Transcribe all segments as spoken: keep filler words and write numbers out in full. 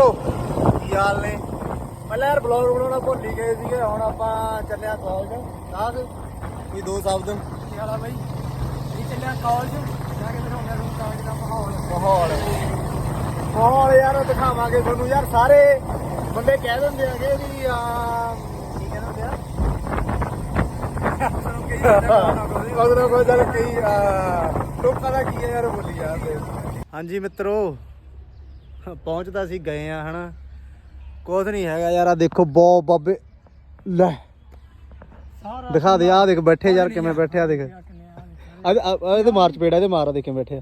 ਕੀ ਹਾਲ ਨੇ? ਪਹਿਲਾਂ ਯਾਰ ਬਲੌਗ ਬਣਾਉਣਾ ਭੁੱਲ ਹੀ ਗਏ ਸੀਗੇ। ਹੁਣ ਆਪਾਂ ਚੱਲਿਆ ਕਾਲਜ। ਦੱਸ ਕੋਈ ਦੋ ਸ਼ਬਦ। ਕੀ ਹਾਲ ਆ ਬਾਈ? ਅਸੀਂ ਚੱਲਿਆ ਕਾਲਜ ਜਾ ਕੇ ਦਿਖਾਉਂਦੇ ਤੁਹਾਨੂੰ ਕਾਲਜ ਦਾ ਮਾਹੌਲ। ਮਾਹੌਲ ਮਾਹੌਲ ਯਾਰ ਦਿਖਾਵਾਂਗੇ ਤੁਹਾਨੂੰ। ਯਾਰ ਸਾਰੇ ਬੰਦੇ ਕਹਿ ਦਿੰਦੇ ਹੈਗੇ ਵੀ ਆ ਕੀ ਕਹਿੰਦੇ ਆ ਮਗਰੋਂ ਕੋਈ ਚੱਲ ਕਈ ਲੋਕਾਂ ਦਾ ਕੀ ਹੈ ਯਾਰ ਬੋਲੀ ਜਾਂਦੇ। ਹਾਂਜੀ ਮਿੱਤਰੋ ਪਹੁੰਚਦਾ ਸੀ ਗਏ ਆ ਹਨਾ। ਕੁਛ ਨਹੀਂ ਹੈਗਾ ਯਾਰ। ਆ ਦੇਖੋ ਬਹੁਤ ਬਾਬੇ ਲੈ ਦਿਖਾ ਦੇ। ਆ ਦੇਖ ਬੈਠੇ ਯਾਰ ਕਿਵੇਂ ਬੈਠੇ। ਆ ਦੇਖ ਇਹਦੇ ਮਾਰ ਚਪੇੜਾ ਇਹਦੇ ਮਾਰ। ਦੇਖੇ ਬੈਠੇ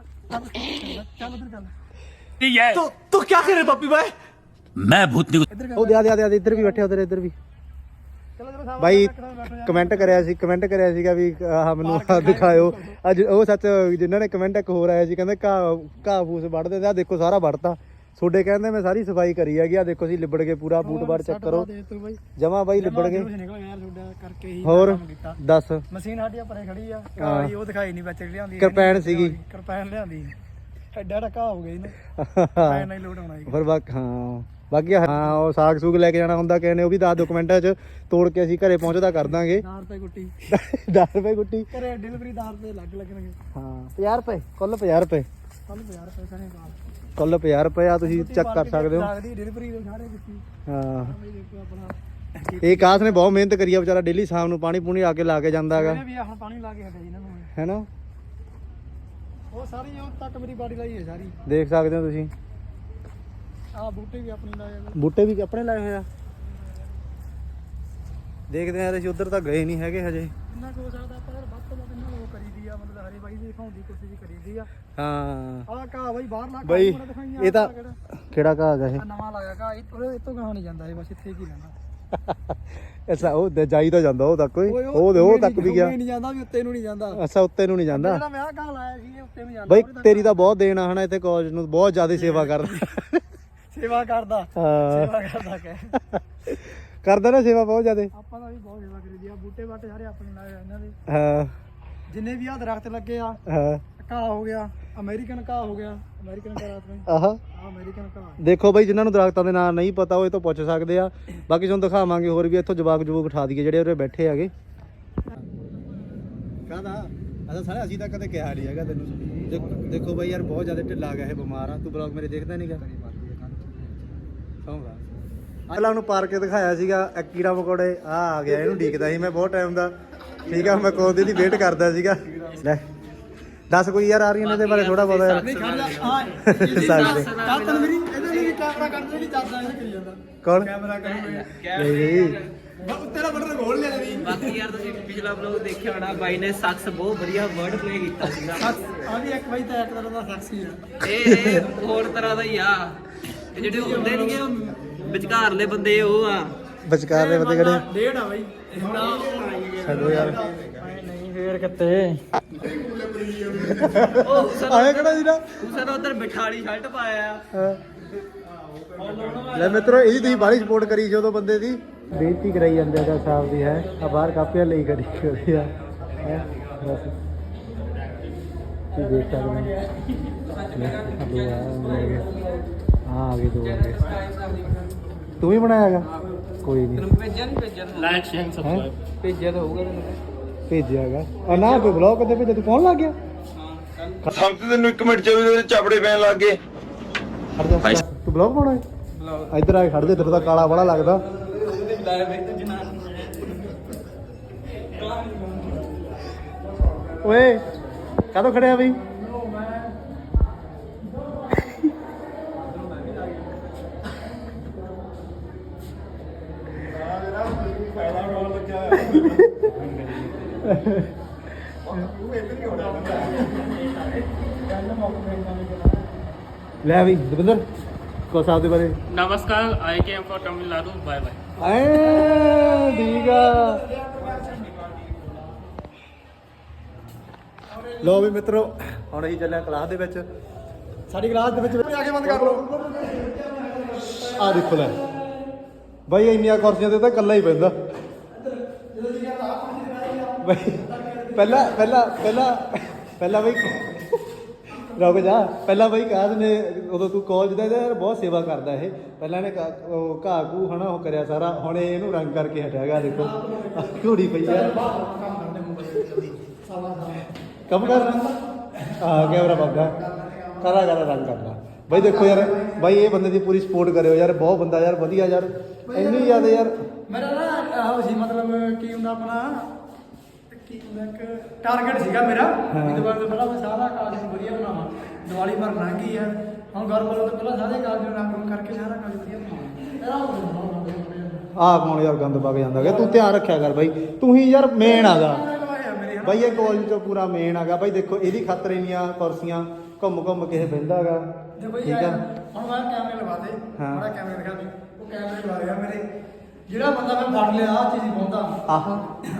तो तो क्या करे पप्पी भाई मैं भूतनी ਉਹ ਦੇ ਆ ਦੇ ਆ ਇੱਧਰ ਵੀ ਬੈਠੇ ਉਧਰ ਇੱਧਰ ਵੀ ਬਾਈ ਕਮੈਂਟ ਕਰਿਆ ਸੀ ਕਮੈਂਟ ਕਰਿਆ ਸੀਗਾ ਵੀ ਆਹ ਮੈਨੂੰ ਦਿਖਾਇਓ। ਅੱਜ ਉਹ ਸੱਚ ਜਿਨ੍ਹਾਂ ਨੇ ਕਮੈਂਟ ਇੱਕ ਹੋਰ ਆਇਆ ਸੀ ਕਹਿੰਦੇ ਘਾਹ ਘਾਹ ਫੂਸ ਵੱਢਦੇ ਤੇ ਆ ਦੇਖੋ ਸਾਰਾ ਵੱਢਤਾ। ਤੁਹਾਡੇ ਕਹਿੰਦੇ ਮੈਂ ਸਾਰੀ ਸਫਾਈ ਕਰੀ ਹੈਗੀ। ਆ ਦੇਖੋ ਸੀ ਲਿਬੜ ਕੇ ਪੂਰਾ ਬੂਟ ਬਾਰ ਚੈੱਕ ਕਰੋ ਜਮਾ ਬਾਈ ਲਿਬੜ ਗਏ। ਹੋਰ ਦੱਸ ਮਸ਼ੀਨ ਸਾਡੀ ਪਰੇ ਖੜੀ ਆ ਉਹ ਦਿਖਾਈ ਨਹੀਂ ਵਿੱਚ ਲਿਆਂਦੀ ਕਿਰਪੈਨ ਸੀਗੀ ਕਿਰਪੈਨ ਲਿਆਂਦੀ ਐਡਾ ਢਕਾ ਹੋ ਗਿਆ ਇਹਨੇ ਕਿਰਪੈਨ ਨਾਲ ਲੋਡ ਆਉਣਾ ਫਿਰ ਬਾਕੀ ਹਾਂ ਬਾਕੀ ਹਾਂ ਉਹ ਸਾਗ ਸੂਗ ਲੈ ਕੇ ਜਾਣਾ ਹੁੰਦਾ ਕਿਸੇ ਨੇ ਉਹ ਵੀ ਦਸ ਦੋ ਕੁ ਚ ਤੋੜ ਕੇ ਅਸੀਂ ਘਰੇ ਪਹੁੰਚਦਾ ਕਰ ਦਾਂਗੇ। ਦਸ ਰੁਪਏ ਗੁੱਟੀ ਦਸ ਰੁਪਏ ਗੁੱਟੀ ਘਰੇ ਡਿਲੀਵਰੀ ਦਸ ਰੁਪਏ ਲੱਗ ਲੱਗਣਗੇ। ਹਾਂ ਪੰਜਾਹ ਰੁਪਏ ਕੁੱਲ ਪੰਜਾਹ ਰੁਪਏ ਕੱਲ ਪੰਜਾਹ ਰੁਪਏ ਕਰੇ ਬਾਅਦ ਕੁੱਲ ਪੰਜਾਹ ਰੁਪਏ ਆ ਤੁਸੀਂ ਚੈੱਕ ਕਰ ਸਕਦੇ ਹੋ। ਲੱਗਦੀ ਡਿਲੀਵਰੀ ਦੇ ਸਾਰੇ ਦਿੱਤੀ ਹਾਂ ਦੇਖੋ ਆਪਣਾ ਇਹ ਕਾਸ ਨੇ ਬਹੁਤ ਮਿਹਨਤ ਕਰੀ ਆ ਵਿਚਾਰਾ। ਡੇਲੀ ਸ਼ਾਮ ਨੂੰ ਪਾਣੀ ਪੂਣੀ ਆ ਕੇ ਲਾ ਕੇ ਜਾਂਦਾ ਹੈਗਾ ਇਹਨੇ ਵੀ ਹੁਣ ਪਾਣੀ ਲਾ ਕੇ ਹਟਿਆ ਇਹਨਾਂ ਨੂੰ ਹੈਨਾ। ਉਹ ਸਾਰੀ ਉਹ ਤੱਕ ਮੇਰੀ ਬਾਡੀ ਲਾਈ ਹੈ ਸਾਰੀ ਦੇਖ ਸਕਦੇ ਹੋ ਤੁਸੀਂ। ਆਹ ਬੂਟੇ ਵੀ ਆਪਣੀ ਲਾਏ ਹੋਏ ਬੂਟੇ ਵੀ ਆਪਣੇ ਲਾਏ ਹੋਏ ਆ। ਦੇਖਦੇ ਆ ਅਸੀਂ ਉਧਰ ਤਾਂ ਗਏ ਨਹੀਂ ਹੈਗੇ ਹਜੇ। ਇੰਨਾ ਕੁ ਹੋ ਸਕਦਾ ਆਪਾਂ ਯਾਰ ਵੱਧ ਤੋਂ ਵੱਧ ਇਹਨਾਂ ਨੂੰ ਉਹ ਕਰੀਦੀ ਆ ਮਤਲਬ ਹਰੇ ਬਾਈ ਦੀ ਦਿਖਾਉਣ ਦੀ ਕੋਸ਼ਿਸ਼ ਕਰੀਦੀ ਆ। ਹਾਂ ਆਹ ਘਾਹ ਬਾਈ ਬਾਹਰ ਲਾ ਬਈ ਕੇ ਦਿਖਾਈਆਂ। ਇਹ ਤਾਂ ਕਿਹੜਾ ਘਾਹ ਹੈਗਾ ਇਹ? ਆਹ ਨਵਾਂ ਲਾਇਆ ਘਾਹ ਇਹ ਇਹ ਤੋਂ ਗਾਹਾਂ ਨਹੀਂ ਜਾਂਦਾ ਇਹ ਬਸ ਇੱਥੇ ਕੀ ਰਹਿੰਦਾ। ਅੱਛਾ ਉਹ ਜਾਈ ਤਾਂ ਜਾਂਦਾ ਉਹ ਤੱਕ ਕੋਈ ਉਹ ਦੇ ਉਹ ਤੱਕ ਵੀ ਗਿਆ ਨਹੀਂ ਜਾਂਦਾ ਵੀ ਉੱਤੇ ਨੂੰ ਨਹੀਂ ਜਾਂਦਾ। ਅੱਛਾ ਉੱਤੇ ਨੂੰ ਨਹੀਂ ਜਾਂਦਾ। ਜਿਹੜਾ ਮੈਂ ਆਹ ਘਾਹ ਲਾਇਆ ਸੀ ਇਹ ਉੱਤੇ ਨੂੰ ਜਾਂਦਾ। ਬਈ ਤੇਰੀ ਤਾਂ ਬਹੁਤ ਦੇਣ ਆ ਹਨਾ ਇੱਥੇ ਕਾਲਜ ਨੂੰ ਬਹੁਤ ਜ਼ਿਆਦਾ ਸੇਵਾ ਕਰਦਾ। ਸੇਵਾ ਕਰਦਾ ਹਾਂ ਸੇਵਾ ਕਰਦਾ ਕਹਿ ਕਰਦਾ ਨਾ ਸੇਵਾ ਬਹੁਤ ਜ਼ਿਆਦਾ। ਆਪਾਂ ਦਾ ਵੀ ਬਹੁਤ ਸੇਵਾ ਕਰੀਦੀ ਆ। ਬੂਟੇ ਬਾਟੇ ਸਾਰੇ ਆਪਣੇ ਲਾਏ ਆ ਇਹਨਾਂ ਦੇ ਹਾਂ ਜਿੰਨੇ ਵੀ ਆ ਦਰਖਤ ਲੱਗੇ ਆ। ਹਾਂ ਘਾਹ ਹੋ ਗਿਆ ਅਮਰੀਕਨ ਘਾਹ ਹੋ ਗਿਆ ਅਮਰੀਕਨ ਘਾਹ ਰਾਤ ਨੂੰ ਆਹ ਆ ਅਮਰੀਕਨ ਘਾਹ। ਦੇਖੋ ਬਈ ਜਿਨ੍ਹਾਂ ਨੂੰ ਦਰਖਤਾਂ ਦੇ ਨਾਂ ਨਹੀਂ ਪਤਾ ਉਹ ਇਹ ਤੋਂ ਪੁੱਛ ਸਕਦੇ ਆ। ਬਾਕੀ ਤੁਹਾਨੂੰ ਦਿਖਾਵਾਂਗੇ ਹੋਰ ਵੀ ਇੱਥੋਂ ਜਵਾਕ ਜਵੂਕ ਉਠਾ ਦਈਏ ਜਿਹੜੇ ਉਰੇ ਬੈਠੇ ਹੈਗੇ। ਕਾਹਦਾ ਅਸਾਂ ਸਾਰੇ ਅਸੀਂ ਤਾਂ ਕਦੇ ਕਿਹਾ ਨਹੀਂ ਹੈਗਾ ਤੈਨੂੰ। ਦੇਖੋ ਬਈ ਯਾਰ ਬਹੁਤ ਜ਼ਿਆਦਾ ਢਿੱਲਾ ਗਿਆ ਇਹ ਬਿਮਾਰ ਆ। ਤੂੰ ਬਲੌਗ ਮੇਰੇ ਦੇਖਦਾ ਨਹੀਂਗਾ। ਸੌਂਗਾ ਪਹਿਲਾਂ ਉਹਨੂੰ ਪਾਰ ਕੇ ਦਿਖਾਇਆ ਸੀਗਾ ਇੱਕ ਕੀੜਾ ਮਕੌੜੇ ਆ ਆ ਗਿਆ ਇਹਨੂੰ ਡੀਕਦਾ ਸੀ ਮੈਂ ਬਹੁਤ ਟਾਈਮ ਦਾ। ਠੀਕ ਆ ਮੈਂ ਕੋਦੇ ਦੀ ਵੇਟ ਕਰਦਾ ਸੀਗਾ। ਲੈ ਦੱਸ ਕੋਈ ਯਾਰ ਆ ਰਹੀਆਂ ਨੇ ਇਹਦੇ ਬਾਰੇ ਥੋੜਾ ਬਹੁਤਾ ਯਾਰ। ਨਹੀਂ ਖੜ ਜਾ ਆ ਸਕਦੇ ਕੱਲ ਤਨ ਮੇਰੀ ਇਹਦੇ ਲਈ ਕੈਮਰਾ ਕੱਢਦੇ ਨਹੀਂ ਚੱਲਦਾ ਇਹ ਕਰੀ ਜਾਂਦਾ ਕੌਣ ਕੈਮਰਾ ਕਰੂਗਾ ਨਹੀਂ ਤੇਰਾ ਬਟਨ ਖੋਲ ਲਿਆ ਨਹੀਂ। ਬਾਕੀ ਯਾਰ ਤੁਸੀਂ ਪਿਛਲਾ ਵਲੌਗ ਦੇਖਿਆ ਹੋਣਾ ਬਾਈ ਨੇ ਸੱਸ ਬਹੁਤ ਵਧੀਆ ਵਰਡ ਪਲੇ ਕੀਤਾ ਸੀਗਾ। ਆ ਵੀ ਇੱਕ ਵਾਰੀ ਤਾਂ ਇੱਕ ਤਰ੍ਹਾਂ ਦਾ ਸੈਕਸੀ ਆ। ਇਹ ਇਹ ਹੋਰ ਤਰ੍ਹਾਂ ਦਾ ਹੀ ਆ। ਇਹ ਜਿਹੜੇ ਹੁੰਦੇ ਨਹੀਂਗੇ ਉਹ ਵਿਚਕਾਰਲੇ ਬੰਦੇ ਉਹ ਆ। ਵਿਚਕਾਰ ਦੇ ਬੰਦੇ ਕਿਹੜੇ ਡੇਢ ਆ ਬਾਈ ਛੱਡੋ ਯਾਰ। ਨਹੀਂ ਫੇਰ ਕਿੱਥੇ ਉਹ ਸਰ ਆਏ ਕਿਹੜਾ ਜੀ ਨਾ ਸਰ ਉਧਰ ਬਿਠਾਲੀ ਸ਼ਰਟ ਪਾਇਆ ਆ। ਲੈ ਮਿੱਤਰੋ ਇਹਦੀ ਤੁਸੀਂ ਬਾਹਲੀ ਸਪੋਰਟ ਕਰੀ ਜਦੋਂ ਬੰਦੇ ਦੀ ਬੇਇੱਜ਼ਤੀ ਕਰਾਈ ਜਾਂਦੇ ਆ ਸਾਹਿਬ ਦੀ ਹੈ। ਆ ਬਾਹਰ ਕਾਪੀਆਂ ਲਈ ਕਰੀ ਕਰੀ ਆ ਹੈ ਬਸ ਕੀ ਦੇਖ ਸਕਦੇ ਆ ਆ ਗਏ ਦੋ ਆ ਗਏ। ਤੂੰ ਹੀ ਬਣਾਇਆਗਾ ਕੋਈ ਨਹੀਂ ਭੇਜਿਆ ਨਹੀਂ ਭੇਜਿਆ ਲਾਈਕ ਸ਼ੇਅਰ ਸਬਸਕ੍ਰਾਈਬ ਭੇਜਿਆ ਤਾਂ ਹੋਊਗਾ ਤੈਨੂੰ ਭੇਜਿਆਗਾ ਆ ਨਾ ਕੋਈ ਬਲੌਗ ਕਦੇ ਭੇਜਿਆ ਤੂੰ ਪਾਉਣ ਲੱਗ ਗਿਆ। ਸਮਝ ਤੈਨੂੰ ਇੱਕ ਮਿੰਟ ਚ ਉਹਦੇ ਚਾਪੜੇ ਪੈਣ ਲੱਗ ਗਏ। ਖੜ ਜਾ ਤੂੰ ਬਲੌਗ ਪਾਉਣਾ ਹੈ ਇੱਧਰ ਆ ਕੇ ਖੜ ਜਾ। ਤੇਰਾ ਤਾਂ ਕਾਲਾ ਬੜਾ ਲੱਗਦਾ। ਓਏ ਕਦੋਂ ਖੜਿਆ ਬਈ? ਲੈ ਵੀ ਦਵਿੰਦਰ ਕੋ ਸਾਹਿਬ ਦੇ ਬਾਰੇ नमस्कार आई came for Tamil Nadu bye bye ਐ ਠੀਕ ਆ। ਲੋ ਵੀ ਮਿੱਤਰੋ ਹੁਣ ਅਸੀਂ ਚੱਲੇ ਕਲਾਸ ਦੇ ਵਿੱਚ। ਸਾਡੀ ਕਲਾਸ ਦੇ ਵਿੱਚ ਆ ਕੇ ਬੰਦ ਕਰ ਲਓ। ਆ ਦੇਖੋ ਲੈ ਬਾਈ ਇੰਨੀਆਂ ਕੁਰਸੀਆਂ ਤੇ ਤਾਂ ਇਕੱਲਾ ਹੀ ਪੈਂਦਾ ਬਾਈ। ਪਹਿਲਾਂ ਪਹਿਲਾਂ ਪਹਿਲਾਂ ਪਹਿਲਾਂ ਬਈ ਰੁਕ ਜਾ ਪਹਿਲਾਂ ਬਾਈ ਕਾਦ ਨੇ ਉਦੋਂ ਤੂੰ ਕਾਲਜ ਦਾ ਯਾਰ ਬਹੁਤ ਸੇਵਾ ਕਰਦਾ ਇਹ ਪਹਿਲਾਂ ਇਹਨੇ ਘਾਹ- ਉਹ ਘਾਹ ਘੂ ਹਨਾ ਉਹ ਕਰਿਆ ਸਾਰਾ ਹੁਣ ਇਹ ਇਹਨੂੰ ਰੰਗ ਕਰਕੇ ਹਟਿਆ ਗਾ ਦੇਖੋ ਘੂੜੀ ਪਈ ਆ ਕੰਮ ਕਰ ਹਾਂ ਕੈਮਰਾ ਬਾਬਾ ਕਰਾ ਕਰਾ ਰੰਗ ਕਰਦਾ ਬਾਈ ਦੇਖੋ ਯਾਰ ਬਾਈ ਇਹ ਬੰਦੇ ਦੀ ਪੂਰੀ ਸਪੋਰਟ ਕਰਿਓ ਯਾਰ ਬਹੁਤ ਬੰਦਾ ਯਾਰ ਵਧੀਆ ਯਾਰ ਇੰਨੀ ਜ਼ਿਆਦਾ ਯਾਰ ਮੇਰਾ ਨਾ ਆਹ ਸੀ ਮਤਲਬ ਕੀ ਹੁੰਦਾ ਆਪਣਾ ਕੀ ਹੁੰਦਾ ਇੱਕ ਟਾਰਗੇਟ ਸੀਗਾ ਮੇਰਾ ਵੀ ਦੁਬਾਰਾ ਤੋਂ ਪਹਿਲਾਂ ਮੈਂ ਸਾਰਾ ਕਾਲਜ ਨੂੰ ਵਧੀਆ ਬਣਾਵਾਂ ਦੀਵਾਲੀ ਭਰ ਲੰਘ ਗਈ ਹੈ ਹੁਣ ਘਰ ਵਾਲੋਂ ਤੋਂ ਪਹਿਲਾਂ ਸਾਰੇ ਕਾਲਜ ਨੂੰ ਰੰਗ ਰੰਗ ਕਰਕੇ ਸਾਰਾ ਕਾਲਜ ਵਧੀਆ ਬਣਾਵਾਂ ਆਹ ਕੌਣ ਯਾਰ ਗੰਦ ਪਾ ਕੇ ਜਾਂਦਾ ਗਾ ਤੂੰ ਧਿਆਨ ਰੱਖਿਆ ਕਰ ਬਾਈ ਤੂੰ ਹੀ ਯਾਰ ਮੇਨ ਆਗਾ ਬਾਈ ਇਹ ਕਾਲਜ ਚੋਂ ਪੂਰਾ ਮੇਨ ਆਗਾ ਬਾਈ ਦੇਖੋ ਇਹਦੀ ਖਾਤਰ ਇੰਨੀਆਂ ਕੁਰਸੀਆਂ ਘੁੰਮ ਘੁੰਮ ਕੇ ਬਹਿੰਦਾ ਗਾ ਠੀਕ ਆ ਹੁਣ ਮੈਂ ਕੈਮਰੇ ਲਵਾ ਦੇ ਹਾਂ। ਬੜਾ ਕੈਮਰੇ ਦਿਖਾ ਦੇ ਉਹ ਕੈਮਰੇ ਲਵਾ ਰਿਹਾ ਮੇਰੇ ਜਿਹੜਾ ਬੰਦਾ ਮੈਂ ਫੜ ਲਿਆ ਆ ਚੀਜ਼ ਪਾਉਂਦਾ ਆਹ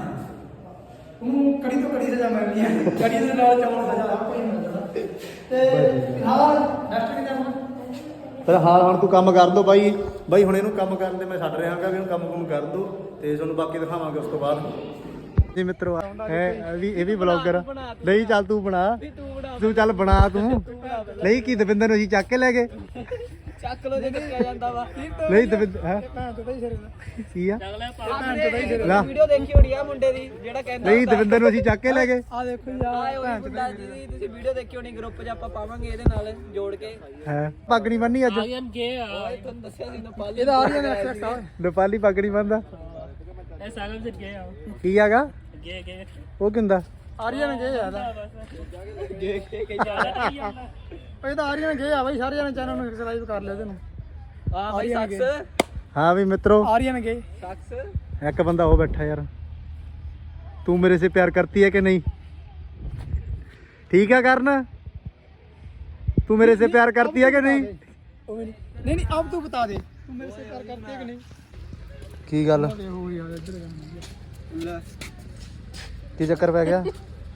ਉਹਨੂੰ ਕੜੀ ਤੋਂ ਕੜੀ ਸਜ਼ਾ ਮਿਲਣੀ ਹੈ ਕੜੀ ਦੇ ਨਾਲ ਚੌਲ ਸਜ਼ਾ ਆਪੇ ਹੀ ਮਿਲਦਾ ਤੇ ਨਾਲ ਨੈਕਸਟ ਕਿਤੇ ਹੁਣ ਪਰ ਹਾਂ ਹੁਣ ਤੂੰ ਕੰਮ ਕਰ ਦੋ ਬਾਈ ਬਾਈ ਹੁਣ ਇਹਨੂੰ ਕੰਮ ਕਰਨ ਤੇ ਮੈਂ ਛੱਡ ਰਿਹਾ ਹਾਂ ਵੀ ਇਹਨੂੰ ਕੰਮ ਕੁਮ ਕਰ ਦੋ ਤੇ ਤੁਹਾਨੂੰ ਬਾਕੀ ਦਿਖਾਵਾਂਗੇ ਉਸ ਤੋਂ ਬਾਅਦ ਜੀ ਮਿੱਤਰੋ ਹੈ ਵੀ ਇਹ ਵੀ ਬਲੌਗਰ ਨਹੀਂ ਚੱਲ ਤੂੰ ਬਣਾ ਤੂੰ ਚੱਲ ਬਣਾ ਤੂੰ ਨਹੀਂ ਕੀ ਦਵਿੰਦਰ ਨੂੰ ਅਸੀਂ ਚੱਕ ਕੇ ਲੈ ਗਏ ਚੱਕ ਲੋ ਜੇ ਕਿਹਾ ਜਾਂਦਾ ਵਾ ਨਹੀਂ ਦਵਿੰਦਰ ਹੈ ਭੈਣ ਤੋਂ ਹੀ ਸਿਰੇ ਦਾ ਕੀ ਆ ਆਪਨੇ ਵੀਡੀਓ ਦੇਖੀ ਹੋਣੀ ਆ ਮੁੰਡੇ ਦੀ ਜਿਹੜਾ ਕਹਿੰਦਾ ਨਹੀਂ ਦਵਿੰਦਰ ਨੂੰ ਅਸੀਂ ਚੱਕ ਕੇ ਲੈ ਗਏ ਆ ਦੇਖੋ ਜੀ ਆਏ ਹੋਈ ਮੁੰਡਾ ਜੀ ਤੁਸੀਂ ਵੀਡੀਓ ਦੇਖੀ ਹੋਣੀ ਗਰੁੱਪ 'ਚ ਆਪਾਂ ਪਾਵਾਂਗੇ ਇਹਦੇ ਨਾਲ ਜੋੜ ਕੇ ਹੈ ਪੱਗ ਨਹੀਂ ਬੰਨੀ ਅੱਜ आर्यन गे ਓਏ ਤੁਹਾਨੂੰ ਦੱਸਿਆ ਸੀ ਨੇਪਾਲੀ ਇਹਦਾ ਆ ਰਿਹਾ ਨੇ ਐਕਸੈਕਟ ਆ ਨੇਪਾਲੀ ਪੱਗ ਨਹੀਂ ਬੰਨਦਾ ए सागम से गे आओ ਕੀ ਆਗਾ गे गे ਉਹ ਕਿੰਦਾ ਆਰੀਅਨ ਗੇ ਆ गे गे के ज्यादा नहीं आता ਇਹ ਤਾਂ ਆਰੀਅਨ ਗੇ ਆ ਬਾਈ ਸਾਰੇ ਜਣੇ ਚੈਨਲ ਨੂੰ ਸਬਸਕ੍ਰਾਈਬ ਕਰ ਲਿਓ ਇਹਨੂੰ ਹਾਂ ਬਾਈ ਸੱਸ ਹਾਂ ਵੀ ਮਿੱਤਰੋ ਆਰੀਅਨ ਗੇ ਸੱਸ ਇੱਕ ਬੰਦਾ ਉਹ बैठा यार तू मेरे से प्यार करती है कि नहीं ठीक है करना तू मेरे से प्यार करती है कि नहीं नहीं नहीं अब तू बता दे तू मेरे से प्यार करती है कि नहीं की गल हो यार इधर की चक्कर पै गया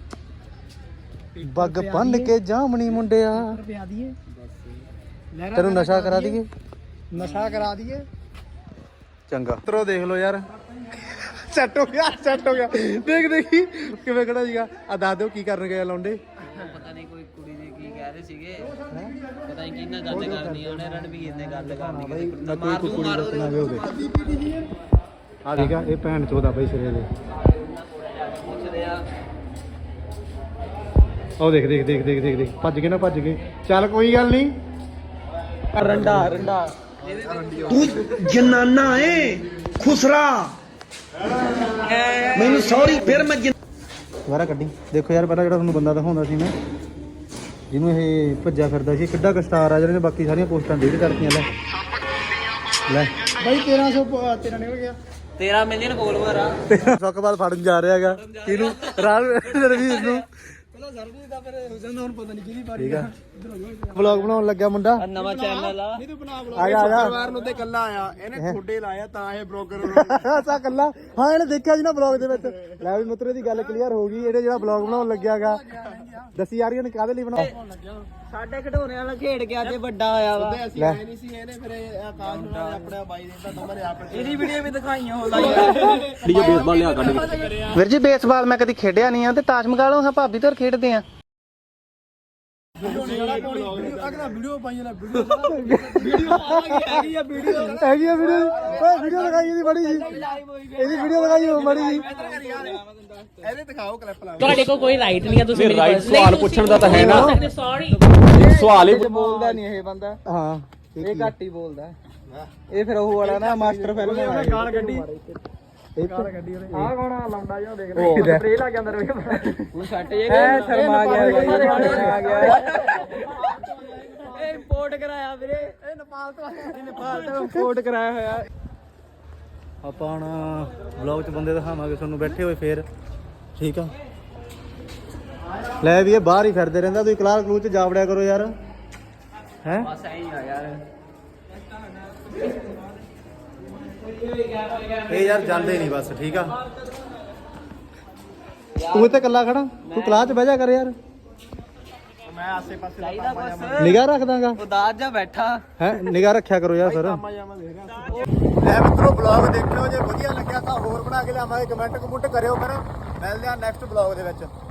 पग बन के जामनी मुंडिया रुपया दिए तेनू नशा करा दिए नशा करा दिए चंगा मित्रो देख लो यार ਸੈੱਟ ਹੋ ਗਿਆ ਸੈੱਟ ਹੋ ਗਿਆ ਦੇਖ ਦੇਖੀ ਕਿਵੇਂ ਖੜਾ ਸੀਗਾ ਆ ਦੱਸ ਦਿਓ ਕੀ ਕਰਨ ਗਏ ਲੌਂਡੇ ਪਤਾ ਨਹੀਂ ਕੋਈ ਕੁੜੀ ਦੇ ਕੀ ਕਹਿ ਰਹੇ ਸੀਗੇ ਪਤਾ ਨਹੀਂ ਕਿਹਨਾਂ ਗੱਲ ਕਰਨੀ ਉਹਨੇ ਰਣਵੀਰ ਨੇ ਗੱਲ ਕਰਨੀ ਕੋਈ ਮਾਰ ਕੋਈ ਦੂੰ ਕੁੜੀ ਮਾਰ ਦੱਸਣਾ ਵੀ ਹੋਵੇ ਆ ਠੀਕ ਆ ਇਹ ਭੈਣ ਚੋਦਾ ਬਈ ਸਿਰੇ ਦੇ ਪੁੱਛਦੇ ਆ ਉਹ ਦੇਖ ਦੇਖ ਦੇਖ ਦੇਖ ਦੇਖ ਦੇਖ ਭੱਜ ਗਏ ਨਾ ਭੱਜ ਗਏ ਚੱਲ ਕੋਈ ਗੱਲ ਨਹੀਂ ਰੰਡਾ ਰੰਡਾ तू जनाना है खुसरा मैनू सॉरी फिर मैं ਦੁਬਾਰਾ ਕੱਢੀ ਦੇਖੋ ਯਾਰ ਪਹਿਲਾਂ ਜਿਹੜਾ ਤੁਹਾਨੂੰ ਬੰਦਾ ਦਿਖਾਉਂਦਾ ਸੀ ਮੈਂ ਜਿਹਨੂੰ ਇਹ ਭੱਜਿਆ ਫਿਰਦਾ ਸੀ ਕਿੱਡਾ ਕੁ ਸਟਾਰ ਆ ਜਿਹੜੇ ਨੇ ਬਾਕੀ ਸਾਰੀਆਂ ਪੋਸਟਾਂ ਡਿਲੀਟ ਕਰਤੀਆਂ ਲੈ ਲੈ भाई तेरह सौ तेरह निकल गया ਤੇਰਾਂ ਮਿਲੀਅਨ ਫੋਲੋਵਰ ਆ ਸੁੱਕਬਾਲ ਫੜਨ ਜਾ ਰਿਹਾ ਹੈਗਾ ਕਿਹਨੂੰ ਰਾਜ ਰਵੀਰ ਨੂੰ ਪਹਿਲਾਂ ਸਰਬਜੀਤ ਦਾ ਫਿਰ ਹੋ ਜਾਂਦਾ ਹੁਣ ਪਤਾ ਨਹੀਂ ਕਿਹਦੀ ਪਾਰੀ ਠੀਕ ਆ ਵਲੌਗ ਬਣਾਉਣ ਲੱਗਿਆ ਮੁੰਡਾ ਨਵਾਂ ਚੈਨਲ ਆ ਨਹੀਂ ਤੂੰ ਬਣਾ ਆ ਜਾ ਆ ਜਾ ਪਰਿਵਾਰ ਨੂੰ ਤੇ ਕੱਲਾ ਆਇਆ ਇਹਨੇ ਖੋਡੇ ਲਾਇਆ ਤਾਂ ਇਹ ਬਲੌਗਰ ਸਾ ਕੱਲਾ ਹਾਂ ਇਹਨੇ ਦੇਖਿਆ ਜੀ ਨਾ ਬਲੌਗ ਦੇ ਵਿੱਚ ਲੈ ਵੀ ਮਿੱਤਰੋ ਦੀ ਗੱਲ ਕਲੀਅਰ ਹੋ ਗਈ ਇਹਨੇ ਜਿਹੜਾ ਬਲੌਗ ਬਣਾਉਣ ਲੱਗਿਆਗਾ ਦੱਸੀ ਯਾਰ ਇਹਨੇ ਕਾਹਦੇ ਲਈ ਬਣਾਉ ਸਾਡੇ ਖਿਡੌਣੇ ਵਾਲਾ ਖੇਡ ਕੇ ਅੱਜ ਵੱਡਾ ਹੋਇਆ ਵਾ ਲੈ ਨਹੀਂ ਸੀ ਇਹਨੇ ਫਿਰ ਆਕਾਸ਼ ਨੂੰ ਆਪਣੇ ਬਾਈ ਦੇ ਤਾਂ ਨੰਬਰ ਆਪ ਇਹਦੀ ਵੀਡੀਓ ਵੀ ਦਿਖਾਈਆਂ ਹੋ ਲਾਈਆਂ ਵੀਰ ਜੀ ਬੇਸਬਾਲ ਮੈਂ ਕਦੀ ਖੇਡਿਆ ਨਹੀਂ ਆ ਤੇ ਤਾਸ਼ ਮਗਾਲੋ ਹਾਂ ਭਾਬੀ ਤੇ ਖੇਡਦੇ ਆ ਅਗਲਾ ਵੀਡੀਓ ਪਾਈ ਨਾ ਵੀਡੀਓ ਵੀਡੀਓ ਪਾਵਾਂਗੇ ਹੈਗੀ ਆ ਵੀਡੀਓ ਹੈਗੀ ਆ ਵੀਡੀਓ ਓਏ ਵੀਡੀਓ ਲਗਾਈ ਇਹਦੀ ਬੜੀ ਜੀ ਇਹਦੀ ਵੀਡੀਓ ਲਗਾਈ ਹੋ ਬੜੀ ਜੀ ਇਹਦੇ ਦਿਖਾਓ ਕਲਿੱਪ ਲਾ ਤੁਹਾਡੇ ਕੋਲ ਕੋਈ ਰਾਈਟ ਨਹੀਂ ਹੈ ਤੁਸੀਂ ਮੇਰੀ ਰਾਈਟ ਸਵਾਲ ਪੁੱਛਣ ਦਾ ਤਾਂ ਹੈ ਨਾ ਸੌਰੀ ਸਵਾਲ ਹੀ ਬੋਲਦਾ ਨਹੀਂ ਇਹ ਬੰਦਾ ਹਾਂ ਇਹ ਘੱਟ ਹੀ ਬੋਲਦਾ ਇਹ ਫਿਰ ਉਹ ਵਾਲਾ ਨਾ ਮਾਸਟਰ ਫਿਲਮ ਵਾਲਾ ਗਾਲ ਗੱਡੀ ਗਾਲ ਗੱਡੀ ਉਹਨੇ ਆਹ ਕੌਣ ਆ ਲੰਡਾ ਜਿਹਾ ਦੇਖ ਰਿਹਾ ਸਪਰੇ ਲੱਗ ਜਾਂਦਾ ਰਹੇ ਤੂੰ ਛੱਟ ਜੇ ਐ ਸ਼ਰਮ ਆ ਗਿਆ ਆ ਗਿਆ ਇਹ ਇੰਪੋਰਟ ਕਰਾਇਆ ਵੀਰੇ ਇਹ ਨੇਪਾਲ ਤੋਂ ਆਇਆ ਨੇਪਾਲ ਤੋਂ ਇੰਪੋਰਟ ਕਰਾਇਆ ਹੋਇਆ ਆਪਾਂ ਹੁਣ ਵਲੌਗ 'ਚ ਬੰਦੇ ਦਿਖਾਵਾਂਗੇ ਤੁਹਾਨੂੰ ਬੈਠੇ ਹੋਏ ਫੇਰ ਠੀਕ ਆ ਲੈ ਵੀ ਇਹ ਬਾਹਰ ਹੀ ਫਿਰਦੇ ਰਹਿੰਦਾ ਤੁਸੀਂ ਕਲਾਸ ਕਲੂਸ 'ਚ ਜਾ ਵੜਿਆ ਕਰੋ ਯਾਰ ਹੈ ਬਸ ਐਂ ਹੀ ਆ ਯਾਰ ਇਹ ਯਾਰ ਜਾਂਦੇ ਨਹੀਂ ਬਸ ਠੀਕ ਆ ਤੂੰ ਇੱਥੇ ਇਕੱਲਾ ਖੜਾ ਤੂੰ ਕਲਾਸ 'ਚ ਬਹਿ ਜਾ ਕਰ ਯਾਰ ਮੈਂ ਆਸੇ ਪਾਸੇ ਚਾਹੀਦਾ ਬਸ ਨਿਗਾਹ ਰੱਖਦਾਗਾ ਉਦਾਸ ਜਾ ਬੈਠਾ ਹੈ ਨਿਗਾਹ ਰੱਖਿਆ ਕਰੋ ਯਾਰ ਸਰ ਜਾਮਾ ਦੇਖ ਰਿਹਾ ਐ ਮਿੱਤਰੋ ਬਲੌਗ ਦੇਖਿਓ ਜੇ ਵਧੀਆ ਲੱਗਿਆ ਤਾਂ ਹੋਰ ਬਣਾ ਕੇ ਲਿਆਵਾਂਗੇ ਕਮੈਂਟ ਕਮੁੰਟ ਕਰਿਓ ਫਿਰ ਮਿਲਦੇ ਆ ਨੈਕਸਟ ਬਲੌਗ ਦੇ ਵਿੱਚ